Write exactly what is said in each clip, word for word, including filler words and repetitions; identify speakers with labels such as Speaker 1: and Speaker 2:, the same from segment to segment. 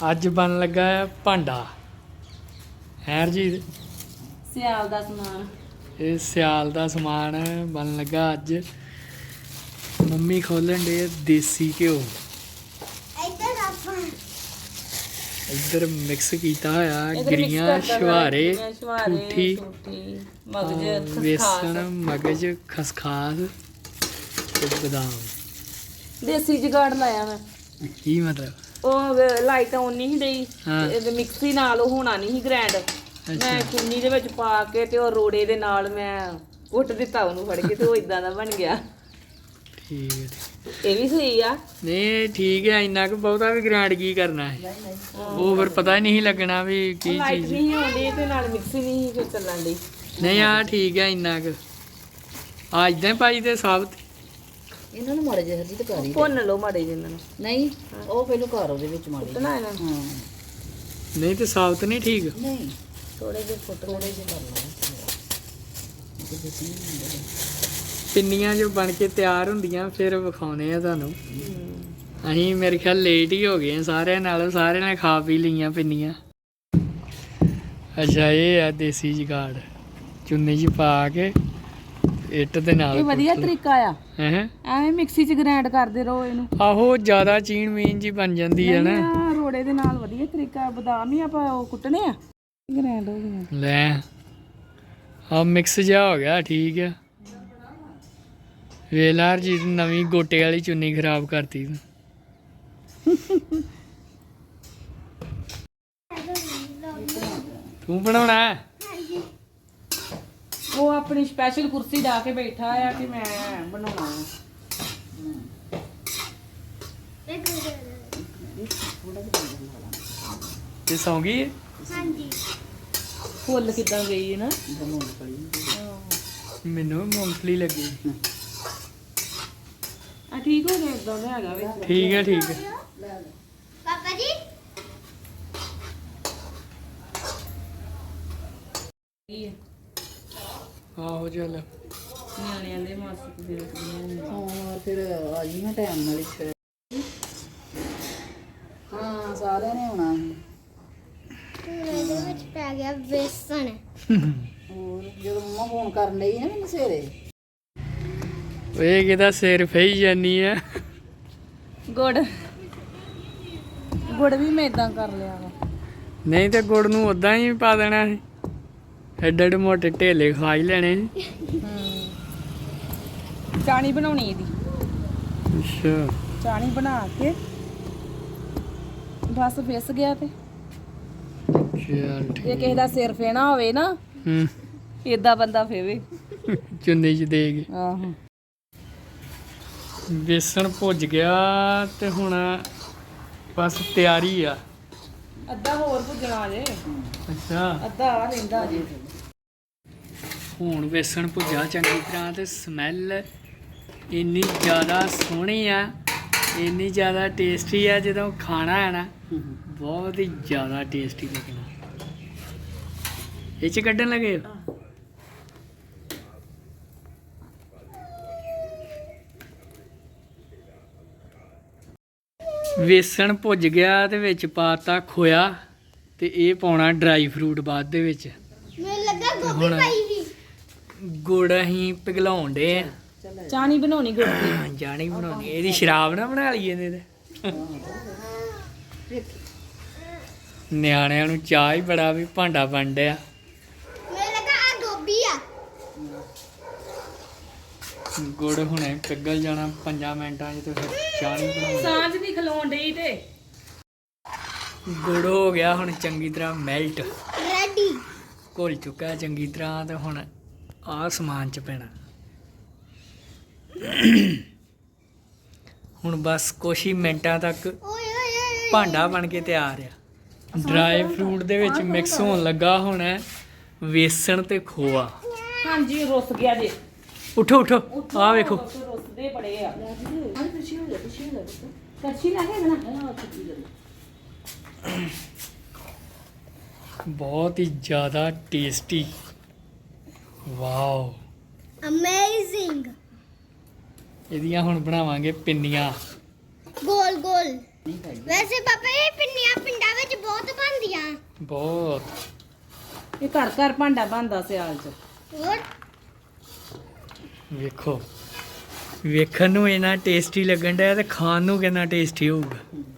Speaker 1: ਅੱਜ ਬਣ ਲੱਗਾ ਹੈ ਭਾਂਡਾ ਹੈਰ ਜੀ
Speaker 2: ਸਿਆਲ ਦਾ ਸਮਾਨ।
Speaker 1: ਇਹ ਸਿਆਲ ਦਾ ਸਮਾਨ ਬਣ ਲੱਗਾ ਅੱਜ। ਮੰਮੀ ਖੋਲਣ ਦੇ ਦੇਸੀ ਘਿਓ।
Speaker 3: ਇੱਧਰ ਆਪਾਂ
Speaker 1: ਇੱਧਰ ਮਿਕਸ ਕੀਤਾ ਹੋਇਆ
Speaker 2: ਇਹਦੇ
Speaker 1: ਗਰੀਆਂ
Speaker 2: mix ਕਰਦਾ
Speaker 1: ਸ਼ਵਾਰੇ
Speaker 2: ਗਰੀਆਂ, ਸ਼ੁਹਾਰੇ,
Speaker 1: ਠੂਠੀ
Speaker 2: ਠੂਠੀ, ਮਗਜ
Speaker 1: ਹਾਂ, ਵੇਸਣ ਮਗਜ ਖਸਖਾਸ ਤੇ ਬਦਾਮ।
Speaker 2: ਦੇਸੀ ਜਗਾੜ ਲਾਇਆ ਮੈਂ।
Speaker 1: ਕੀ ਮਤਲਬ?
Speaker 2: ਉਹ ਲਾਈਟ ਆਉਣ ਨਹੀਂ ਡਈ
Speaker 1: ਹਾਂ।
Speaker 2: ਇਹਦੇ ਮਿਕਸੀ ਨਾਲ ਉਹ ਹੋਣਾ ਨਹੀਂ ਗ੍ਰੈਂਡ। ਮੈਂ ਚੁੰਨੀ ਦੇ ਵਿੱਚ ਪਾ ਕੇ ਤੇ ਉਹ ਰੋੜੇ ਦੇ ਨਾਲ ਮੈਂ ਕੁੱਟ ਦਿੱਤਾ ਉਹਨੂੰ ਫੜ ਕੇ ਤੇ ਉਹ ਇਦਾਂ ਦਾ ਬਣ ਗਿਆ।
Speaker 1: ਠੀਕ ਹੈ।
Speaker 2: ਇਹ ਵੀ ਸਹੀ ਆ।
Speaker 1: ਨਹੀਂ ਠੀਕ ਹੈ, ਇੰਨਾ ਕੁ ਬਹੁਤਾ ਵੀ ਗ੍ਰਾਂਡ ਕੀ ਕਰਨਾ ਹੈ। ਉਹ ਫਿਰ ਪਤਾ ਹੀ ਨਹੀਂ ਲੱਗਣਾ ਵੀ ਕੀ
Speaker 2: ਲਾਈਟ
Speaker 1: ਚੀਜ਼।
Speaker 2: ਨਹੀਂ ਆਉਂਦੀ ਤੇ ਨਾਲ ਮਿਕਸੀ ਨਹੀਂ ਫਿਰ ਚੱਲਣ ਦੀ।
Speaker 1: ਨਹੀਂ ਆ ਠੀਕ ਹੈ, ਇੰਨਾ ਕੁ ਆ ਇਦਾਂ ਪਾਈ ਤੇ ਸਾਬਤ।
Speaker 4: ਇਹਨਾਂ ਨੂੰ ਮਾੜੇ ਜਿਹੇ ਹਰਜੀ ਤੇ ਕਰੀ
Speaker 2: ਭੁੰਨ ਲਓ ਮਾੜੇ ਜਿਹੇ ਇਹਨਾਂ ਨੂੰ।
Speaker 4: ਨਹੀਂ ਉਹ ਪਹਿਲਾਂ ਘਰ ਉਹਦੇ ਵਿੱਚ ਮਾੜੇ ਜਿਹੇ।
Speaker 2: ਕੁੱਟਣਾ ਇਹਨਾਂ ਨੂੰ।
Speaker 4: ਹਾਂ
Speaker 1: ਨਹੀਂ ਤੇ ਸਾਬਤ ਨਹੀਂ ਠੀਕ।
Speaker 4: ਨਹੀਂ
Speaker 2: ਥੋੜੇ ਜਿਹੇ ਫੁੱਟ
Speaker 4: ਥੋੜੇ ਜਿਹੇ ਕਰ ਲਓ।
Speaker 1: ਪਿੰਨੀਆਂ ਜੋ ਬਣ ਕੇ ਤਿਆਰ ਹੁੰਦੀਆਂ ਫਿਰ ਵਿਖਾਉਣੇ ਆ ਤੁਹਾਨੂੰ। ਅਸੀਂ ਮੇਰੇ ਖਿਆਲ ਲੇਟ ਹੀ ਹੋ ਗਏ ਆ ਸਾਰਿਆਂ ਨਾਲੋਂ। ਸਾਰਿਆਂ ਨੇ ਖਾ ਪੀ ਲਈਆਂ ਪਿੰਨੀਆਂ। ਅੱਛਾ ਇਹ ਆ ਦੇਸੀ ਜੁਗਾੜ, ਚੁੰਨੀ 'ਚ ਪਾ ਕੇ ਇੱਟ ਦੇ ਨਾਲ।
Speaker 2: ਇਹ ਵਧੀਆ ਤਰੀਕਾ ਆ।
Speaker 1: ਹੈ
Speaker 2: ਐਵੇਂ ਮਿਕਸੀ 'ਚ ਗ੍ਰਾਈਂਡ ਕਰਦੇ ਰਹੋ ਇਹਨੂੰ।
Speaker 1: ਆਹੋ ਜ਼ਿਆਦਾ ਚੀਨ ਮੀਨ ਜੀ ਬਣ ਜਾਂਦੀ ਹੈ ਨਾ।
Speaker 2: ਆਹ ਰੋੜੇ ਦੇ ਨਾਲ ਵਧੀਆ ਤਰੀਕਾ। ਬਦਾਮ ਹੀ ਆਪਾਂ ਉਹ ਕੁੱਟਣੇ ਆ। ਗ੍ਰਾਈਂਡ ਹੋ ਗਏ।
Speaker 1: ਲੈ ਆ ਮਿਕਸ ਜਿਹਾ ਹੋ ਗਿਆ। ਠੀਕ ਆ। ਵੇਲਾਰ ਜੀ ਨਵੀਂ ਗੋਟੇ ਵਾਲੀ ਚੁੰਨੀ ਖਰਾਬ ਕਰਤੀ ਤੂੰ। ਤੂੰ ਬਣਾਉਣਾ ਹੈ?
Speaker 2: ਉਹ ਆਪਣੀ ਸਪੈਸ਼ਲ ਕੁਰਸੀ ਢਾ ਕੇ ਬੈਠਾ ਆ ਕਿ ਮੈਂ ਬਣਾਉਣਾ ਆ।
Speaker 1: ਤੇ ਸੌਂ ਗਈ ਹੈ?
Speaker 3: ਹਾਂਜੀ
Speaker 2: ਫੁੱਲ ਕਿੱਦਾਂ ਗਈ ਹੈ ਨਾ।
Speaker 1: ਮੈਨੂੰ ਮੂੰਗਫਲੀ ਲੱਗੀ।
Speaker 2: ਆ ਠੀਕ ਹੋ ਗਿਆ ਇਦਾਂ ਦਾ ਹੈਗਾ ਵਿੱਚ।
Speaker 1: ਠੀਕ ਹੈ ਠੀਕ ਹੈ।
Speaker 3: ਪਾਪਾ ਜੀ
Speaker 2: ਕੀ ਹੈ
Speaker 1: ਆਹੋ ਚੱਲ।
Speaker 2: ਨਿਆਣਿਆਂ ਦੇ ਮਾਸਕ ਦੇ ਰੱਖਦੀਆਂ।
Speaker 4: ਹਾਂ ਫਿਰ ਆ ਜੀ ਮੈਂ ਟਾਈਮ ਨਾਲ ਹੀ ਫਿਰ। ਹਾਂ ਸਾਰਿਆਂ ਨੇ ਆਉਣਾ ਸੀ।
Speaker 3: ਇਹਦੇ ਵਿੱਚ ਪੈ ਗਿਆ ਵੇਸਣ।
Speaker 4: ਹੋਰ ਜਦੋਂ ਮੰਮਾ ਫੋਨ ਕਰਨ ਲਈ ਨਾ ਮੈਨੂੰ ਸਵੇਰੇ
Speaker 1: ਇਹ ਕਿਹਦਾ ਸਿਰ ਫਈ ਜਾਨੀ ਆ।
Speaker 2: ਗੁੜ ਗੁੜ ਵੀ ਮੈਂ ਇਦਾਂ ਕਰ ਲਿਆ ਵਾ।
Speaker 1: ਨਹੀਂ ਤੇ ਗੁੜ ਨੂੰ ਉਦਾਂ ਹੀ ਪਾ ਦੇਣਾ ਸੀ। ਐਡੇ ਐਡੇ ਮੋਟੇ ਢੇਲੇ ਖਾ ਹੀ ਲੈਣੇ ਸੀ।
Speaker 2: ਚਾਣੀ ਬਣਾਉਣੀ ਇਹਦੀ।
Speaker 1: ਅੱਛਾ
Speaker 2: ਚਾਣੀ ਬਣਾ ਕੇ ਬਸ ਫਿਸ ਗਿਆ ਤੇ
Speaker 1: ਚੱਲ ਠੀਕ।
Speaker 2: ਜੇ ਕਿਸੇ ਦਾ ਸਿਰ ਫੇਣਾ ਹੋਵੇ ਨਾ
Speaker 1: ਹੂੰ
Speaker 2: ਏਦਾਂ ਬੰਦਾ ਫੇਵੇ।
Speaker 1: ਚੁੰਨੀ 'ਚ ਦੇ ਕੇ।
Speaker 2: ਆਹੋ
Speaker 1: ਬੇਸਣ ਭੁੱਜ ਗਿਆ ਤੇ ਹੁਣ ਬਸ ਤਿਆਰੀ ਆ।
Speaker 2: ਅੱਧਾ ਹੋਰ ਭੁੱਜਣਾ ਜੇ।
Speaker 1: ਅੱਛਾ
Speaker 2: ਅੱਧਾ ਆ ਰਹਿੰਦਾ ਜੇ।
Speaker 1: ਹੁਣ ਬੇਸਣ ਭੁੱਜਾ ਚੰਗੀ ਤਰ੍ਹਾਂ ਤੇ ਸਮੈਲ ਇੰਨੀ ਜ਼ਿਆਦਾ ਸੋਹਣੀ ਆ, ਇੰਨੀ ਜ਼ਿਆਦਾ ਟੇਸਟੀ ਆ। ਜਦੋਂ ਖਾਣਾ ਹੈ ਨਾ ਬਹੁਤ ਹੀ ਜ਼ਿਆਦਾ ਟੇਸਟੀ ਲੱਗਣਾ। ਇਹ 'ਚ ਕੱਢਣ ਲੱਗੇ ਹੋ? ਵੇਸਣ ਭੁੱਜ ਗਿਆ ਤੇ ਵਿੱਚ ਪਾਤਾ ਖੋਇਆ ਤੇ ਇਹ ਪਾਉਣਾ ਡਰਾਈ ਫਰੂਟ ਬਾਅਦ ਦੇ ਵਿੱਚ।
Speaker 3: ਮੈਨੂੰ ਲੱਗਾ ਗੋਭੀ ਪਾਈ ਵੀ।
Speaker 1: ਗੁੜ ਅਸੀਂ ਪਿਘਲਾਉਣ ਡੇ ਆ।
Speaker 2: ਚਾਣੀ ਬਣਾਉਣੀ ਗੁੜ ਦੀ।
Speaker 1: ਜਾਣੀ ਬਣਾਉਣੀ। ਇਹਦੀ ਸ਼ਰਾਬ ਨਾ ਬਣਾ ਲਈਏ ਇਹਦੇ ਤੇ। ਨਿਆਣਿਆਂ ਨੂੰ ਚਾਹ ਹੀ ਬੜਾ ਵੀ ਭਾਂਡਾ ਬਣ ਡਿਆ।
Speaker 3: ਮੈਨੂੰ ਲੱਗਾ ਆ ਗੋਭੀ ਆ।
Speaker 1: ਗੁੜ ਹੁਣੇ ਪਿਘਲ ਜਾਣਾ ਪੰਜਾਂ ਮਿੰਟਾਂ 'ਚ ਤੇ ਫਿਰ ਚਾਹ ਨਹੀਂ ਬਣਾਉਣੀ।
Speaker 2: ਸਾਂਝ ਦੀ ਖਲੋਣ ਡਈ ਤੇ
Speaker 1: ਗੁੜ ਹੋ ਗਿਆ ਹੁਣ ਚੰਗੀ ਤਰ੍ਹਾਂ ਮੈਲਟ।
Speaker 3: ਰੈਡੀ
Speaker 1: ਘੁਲ ਚੁੱਕਾ ਚੰਗੀ ਤਰ੍ਹਾਂ ਤੇ ਹੁਣ ਆਹ ਸਮਾਨ 'ਚ ਪੈਣਾ। ਹੁਣ ਬਸ ਕੁਛ ਹੀ ਮਿੰਟਾਂ ਤੱਕ
Speaker 3: ਓਏ ਓਏ ਓਏ
Speaker 1: ਭਾਂਡਾ ਬਣ ਕੇ ਤਿਆਰ ਆ। ਡਰਾਈ ਫਰੂਟ ਦੇ ਵਿੱਚ ਮਿਕਸ ਹੋਣ ਲੱਗਾ ਹੁਣ ਵੇਸਣ ਤੇ ਖੋਆ।
Speaker 2: ਹਾਂਜੀ ਰੁੱਸ ਗਿਆ ਜੇ।
Speaker 1: ਉਠੋ ਉਠੋ ਆ ਵੇਖੋ।
Speaker 2: ਰੁੱਸਦੇ ਬੜੇ ਆ। ਕੜਛੀ ਲੈ ਕੇ ਨਾ।
Speaker 1: ਬਹੁਤ ਹੀ ਜ਼ਿਆਦਾ ਟੇਸਟੀ। Wow
Speaker 3: amazing.
Speaker 1: ਇਹਦੀਆਂ ਹੁਣ ਬਣਾਵਾਂਗੇ ਪਿੰਨੀਆਂ।
Speaker 3: ਗੋਲ ਗੋਲ। ਵੈਸੇ ਪਾਪਾ ਇਹ ਪਿੰਨੀਆਂ ਪਿੰਡਾਂ
Speaker 1: ਬਹੁਤ
Speaker 2: ਇਹ ਘਰ ਘਰ ਭਾਂਡਾ ਬਣਦਾ ਸਿਆਲ 'ਚ।
Speaker 3: ਹੋਰ
Speaker 1: ਵੇਖੋ, ਵੇਖਣ ਨੂੰ ਇੰਨਾ ਟੇਸਟੀ ਲੱਗਣ ਡਿਆ ਤੇ ਖਾਣ ਨੂੰ ਕਿੰਨਾ ਟੇਸਟੀ ਹੋਊਗਾ।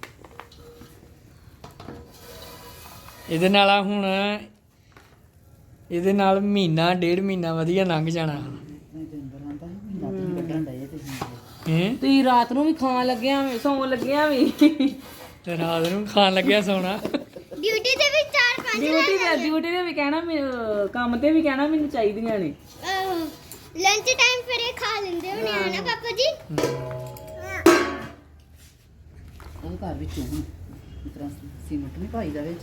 Speaker 1: ਇਹਦੇ ਨਾਲ ਆ ਹੁਣ ਇਹਦੇ ਨਾਲ ਮਹੀਨਾ ਡੇਢ ਮਹੀਨਾ ਵਧੀਆ ਲੰਘ ਜਾਣਾ। ਹੈਂ?
Speaker 2: ਤੁਸੀਂ ਰਾਤ ਨੂੰ ਵੀ ਖਾਣ ਲੱਗਿਆ ਵੀ ਸੌਣ ਲੱਗਿਆ ਵੀ
Speaker 1: ਤੇ ਰਾਤ ਨੂੰ ਖਾਣ ਲੱਗਿਆ ਸੌਣਾ।
Speaker 3: ਡਿਊਟੀ ਤੇ ਵੀ ਚਾਰ ਪੰਜ
Speaker 2: ਡਿਊਟੀ ਤੇ ਡਿਊਟੀ ਤੇ ਵੀ ਕਹਿਣਾ ਮੈਨੂੰ ਕੰਮ ਤੇ ਵੀ ਕਹਿਣਾ ਮੈਨੂੰ ਚਾਹੀਦੀਆਂ ਨੇ।
Speaker 3: ਲੰਚ ਟਾਈਮ ਫਿਰ ਇਹ ਖਾ ਲੈਂਦੇ ਹੋਣੇ ਆ ਨਾ ਪਾਪਾ ਜੀ।
Speaker 4: ਉਹ ਘਰ ਵਿੱਚ ਹੁਣ ਇਸ ਤਰ੍ਹਾਂ ਸੀਮਟ ਨਹੀਂ ਪਾਈਦਾ ਵਿੱਚ।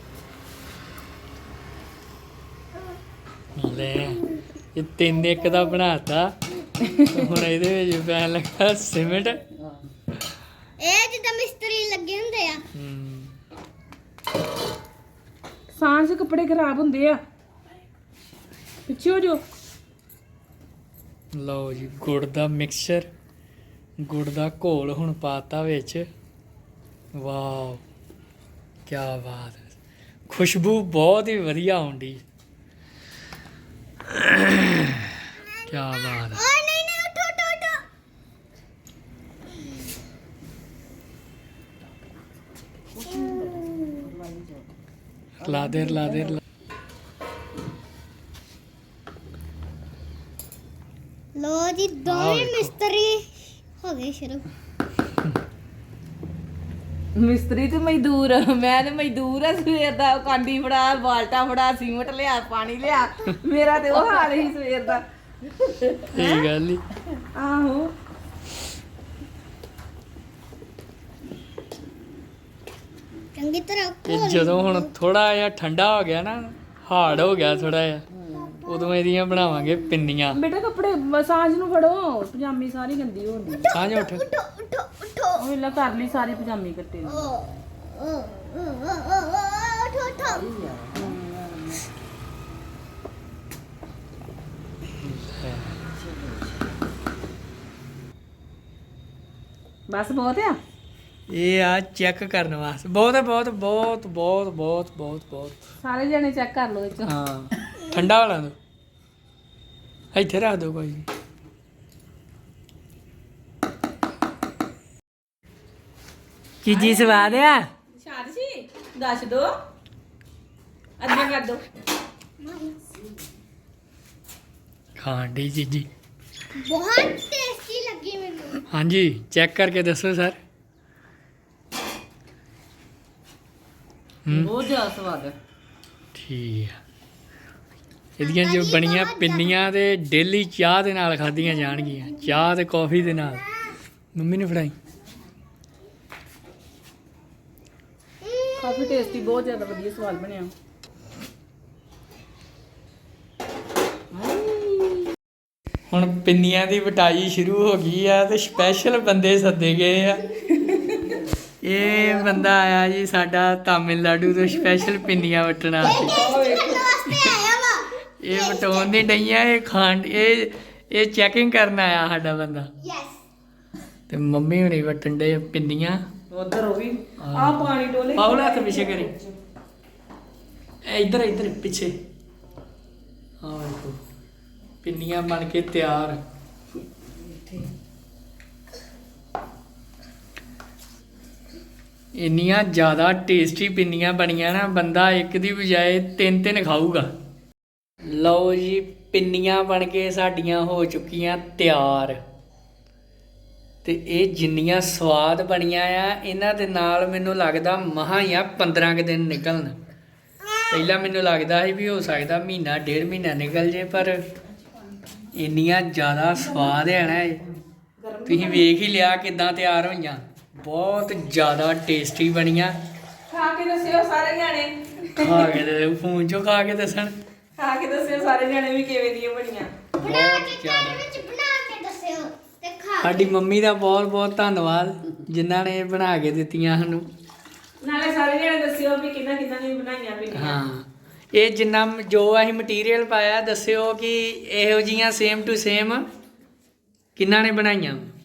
Speaker 1: ਲੈ ਇਹ ਤਿੰਨ ਇੱਕ ਦਾ ਬਣਾਤਾ ਤੇ ਹੁਣ ਇਹਦੇ ਵਿੱਚ ਪੈਣ ਲੱਗਾ ਸੀਮਿੰਟ।
Speaker 3: ਇਹ ਜਿੱਦਾਂ ਮਿਸਤਰੀ ਲੱਗੇ ਹੁੰਦੇ ਆ।
Speaker 1: ਹਮ,
Speaker 2: ਸਾਂਝ 'ਚ ਕੱਪੜੇ ਖਰਾਬ ਹੁੰਦੇ ਆ। ਪਿੱਛੇ ਹੋ ਜੋ।
Speaker 1: ਲਓ ਜੀ, ਗੁੜ ਦਾ ਮਿਕਸਚਰ, ਗੁੜ ਦਾ ਘੋਲ ਹੁਣ ਪਾਤਾ ਵਿੱਚ। ਵਾਓ, ਕੀ ਬਾਤ ਹੈ। ਖੁਸ਼ਬੂ ਬਹੁਤ ਹੀ ਵਧੀਆ ਆਉਂਦੀ। ਕੀ ਬਾਤ ਹੈ।
Speaker 3: ਓਏ ਨਹੀਂ ਨਹੀਂ ਉਠੋ ਉਠੋ ਉਠੋ।
Speaker 1: ਲਾ ਦੇ ਲਾ ਦੇ ਲਾ-
Speaker 3: ਲੋ ਜੀ
Speaker 1: ਆਹ
Speaker 3: ਦੋਵੇਂ
Speaker 1: ਵੇਖੋ।
Speaker 3: ਮਿਸਤਰੀ ਹੋ ਗਏ ਸ਼ੁਰੂ।
Speaker 2: ਮਿਸਤਰੀ ਤੇ ਮਜ਼ਦੂਰ, ਮੈਂ ਤੇ ਮਜ਼ਦੂਰ ਆ ਸਵੇਰ ਦਾ। ਕਾਂਡੀ ਫੜਾ, ਬਾਲਟਾ ਫੜਾ, ਸੀਮਟ ਲਿਆ, ਪਾਣੀ ਲਿਆ। ਮੇਰਾ ਤੇ ਉਹ ਹਾਲ ਹੀ ਸਵੇਰ ਦਾ।
Speaker 1: ਸਹੀ ਗੱਲ ਹੀ।
Speaker 2: ਆਹੋ
Speaker 3: ਚੰਗੀ ਤਰ੍ਹਾਂ
Speaker 1: ਤੇ
Speaker 3: ਘੋਲ
Speaker 1: ਜਦੋਂ ਹੁਣ ਥੋੜਾ ਜਿਹਾ ਠੰਡਾ ਹੋ ਗਿਆ ਨਾ, ਹਾਰਡ ਹੋ ਗਿਆ ਥੋੜਾ ਜਿਹਾ, ਉਦੋਂ ਇਹਦੀਆਂ ਬਣਾਵਾਂਗੇ ਪਿੰਨੀਆਂ।
Speaker 2: ਬੇਟਾ ਕੱਪੜੇ ਸਾਂਝ ਨੂੰ ਫੜੋ, ਪਜਾਮੀ ਸਾਰੀ ਗੰਦੀ ਹੋਣੀ।
Speaker 1: ਸਾਂਝ ਉੱਠ।
Speaker 3: ਉਠੋ ਉਠੋ ਉਠੋ।
Speaker 2: ਉਹ ਵੇਲਾ ਕਰ ਲਈ ਸਾਰੀ ਪਜਾਮੀ ਕੱਟੇ
Speaker 3: ਓ ਓ ਓ ਓ ਓ ਉਠੋ ਉਠੋ।
Speaker 2: ਬਸ ਬਹੁਤ ਆ।
Speaker 1: ਇਹ ਆ ਚੈੱਕ ਕਰਨ ਵਾਸਤੇ। ਬਹੁਤ ਹੈ, ਬਹੁਤ ਬਹੁਤ ਬਹੁਤ ਬਹੁਤ ਬਹੁਤ ਬਹੁਤ।
Speaker 2: ਸਾਰੇ ਜਣੇ ਚੈੱਕ ਕਰ ਲਓ ਇਹ ਚੋਂ।
Speaker 1: ਹਾਂ, ਠੰਡਾ ਵਾਲਾ ਦੋ ਇੱਥੇ ਰੱਖ ਦੋ ਕੋਈ ਨੀ। ਕੀ ਜੀ ਸਵਾਦ ਆ?
Speaker 2: ਸ਼ਾਦਸ਼ੀ ਦੱਸ ਦੋ, ਅੱਗੇ ਕਰ ਦੋ।
Speaker 1: ਖਾਣ ਦੀ ਚੀਜੀ।
Speaker 3: ਬਹੁਤ ਟੇਸਟੀ ਲੱਗੀ ਮੈਨੂੰ।
Speaker 1: ਹਾਂਜੀ, ਚੈੱਕ ਕਰਕੇ ਦੱਸੋ ਸਰ। ਹੂੰ,
Speaker 2: ਬਹੁਤ ਜ਼ਿਆਦਾ ਸਵਾਦ ਹੈ।
Speaker 1: ਠੀਕ ਆ। ਇਹਦੀਆਂ ਜੋ ਬਣੀਆਂ ਪਿੰਨੀਆਂ ਤੇ ਡੇਲੀ ਚਾਹ ਦੇ ਨਾਲ ਖਾਧੀਆਂ ਜਾਣਗੀਆਂ। ਚਾਹ ਤੇ ਕੌਫੀ ਦੇ ਨਾਲ। ਮੰਮੀ ਨੇ ਫੜਾਈ।
Speaker 2: ਕਾਫੀ ਟੇਸਟੀ, ਬਹੁਤ ਜ਼ਿਆਦਾ ਵਧੀਆ ਸਵਾਦ ਬਣਿਆ।
Speaker 1: ਹੁਣ ਪਿੰਨੀਆਂ ਦੀ ਵਟਾਈ ਸ਼ੁਰੂ ਹੋ ਗਈ ਆ ਤੇ ਸਪੈਸ਼ਲ ਬੰਦੇ ਸੱਦੇ ਗਏ ਆ। ਇਹ ਬੰਦਾ ਆਇਆ ਜੀ ਸਾਡਾ ਤਾਮਿਲਨਾਡੂ ਤੋਂ ਸਪੈਸ਼ਲ ਪਿੰਨੀਆਂ ਵਟਣ ਵਾਸਤੇ।
Speaker 3: ਕਰਨ ਵਾਸਤੇ ਆਇਆ ਵਾ।
Speaker 1: ਇਹ ਵਟਾਉਣ ਨਹੀਂ ਡਈਆਂ, ਇਹ ਖਾਣ ਇਹ ਇਹ ਚੈਕਿੰਗ ਕਰਨ ਆਇਆ ਸਾਡਾ ਬੰਦਾ।
Speaker 3: ਯੈਸ।
Speaker 1: ਤੇ ਮੰਮੀ ਹੁਣੀ ਵਟਣ ਡੇ ਪਿੰਨੀਆਂ।
Speaker 2: ਉਧਰ ਉਹ ਵੀ ਆ ਪਾਣੀ ਡੋਲੇ।
Speaker 1: ਪਾਉਲਾ ਹੱਥ ਪਿੱਛੇ ਕਰੀ। ਇਹ ਇੱਧਰ ਇੱਧਰ ਪਿੱਛੇ। ਆਹ ਦੇਖੋ, ਪਿੰਨੀਆਂ ਬਣ ਕੇ ਤਿਆਰ। ਇੰਨੀਆਂ ਜ਼ਿਆਦਾ ਟੇਸਟੀ ਪਿੰਨੀਆਂ ਬਣੀਆਂ ਨਾ, ਬੰਦਾ ਇੱਕ ਦੀ ਬਜਾਏ ਤਿੰਨ ਤਿੰਨ ਖਾਊਗਾ। ਲਓ ਜੀ, ਪਿੰਨੀਆਂ ਬਣ ਕੇ ਸਾਡੀਆਂ ਹੋ ਚੁੱਕੀਆਂ ਤਿਆਰ। ਤੇ ਇਹ ਜਿੰਨੀਆਂ ਸਵਾਦ ਬਣੀਆਂ ਆ, ਇਹਨਾਂ ਦੇ ਨਾਲ ਮੈਨੂੰ ਲੱਗਦਾ ਮਸਾਂ ਹੀ ਆ ਪੰਦਰਾਂ ਕੁ ਦਿਨ ਨਿਕਲਣ। ਪਹਿਲਾਂ ਮੈਨੂੰ ਲੱਗਦਾ ਸੀ ਵੀ ਹੋ ਸਕਦਾ ਮਹੀਨਾ ਡੇਢ ਮਹੀਨਾ ਨਿਕਲ ਜੇ, ਪਰ ਇੰਨੀਆਂ ਜ਼ਿਆਦਾ ਸਵਾਦ ਹੈ ਨਾ ਇਹ। ਤੁਸੀਂ ਵੇਖ ਹੀ ਲਿਆ ਕਿੱਦਾਂ ਤਿਆਰ ਹੋਈਆਂ। ਬਹੁਤ ਜ਼ਿਆਦਾ ਟੇਸਟੀ ਬਣੀਆਂ।
Speaker 2: ਖਾ ਕੇ ਦੱਸਿਓ ਸਾਰੇ ਜਾਣੇ।
Speaker 1: ਖਾ ਕੇ ਤੇ ਫੋਨ 'ਚੋਂ ਖਾ ਕੇ ਦੱਸਣ।
Speaker 2: ਖਾ ਕੇ ਦੱਸਿਓ ਸਾਰੇ ਜਾਣੇ ਵੀ ਕਿਵੇਂ ਦੀਆਂ ਬਣੀਆਂ।
Speaker 3: ਬਣਾ ਕੇ ਘਰ ਵਿੱਚ ਬਣਾ ਕੇ ਦੱਸਿਓ ਤੇ ਖਾ।
Speaker 1: ਸਾਡੀ ਮੰਮੀ ਦਾ ਬਹੁਤ ਬਹੁਤ ਧੰਨਵਾਦ, ਜਿਨ੍ਹਾਂ ਨੇ ਇਹ ਬਣਾ ਕੇ ਦਿੱਤੀਆਂ ਸਾਨੂੰ।
Speaker 2: ਨਾਲੇ ਸਾਰੇ ਜਾਣੇ ਦੱਸਿਓ ਵੀ ਕਿੰਨਾ ਕਿੰਨਾ ਨੇ ਬਣਾਈਆਂ ਪਿੰਨੀਆਂ।
Speaker 1: ਹਾਂ, ਇਹ ਜਿੰਨਾ ਜੋ ਅਸੀਂ ਮਟੀਰੀਅਲ ਪਾਇਆ ਦੱਸਿਓ ਕਿ ਇਹੋ ਜੀਆਂ ਸੇਮ ਟੂ ਸੇਮ ਕਿਹਨਾਂ ਨੇ ਬਣਾਈਆਂ।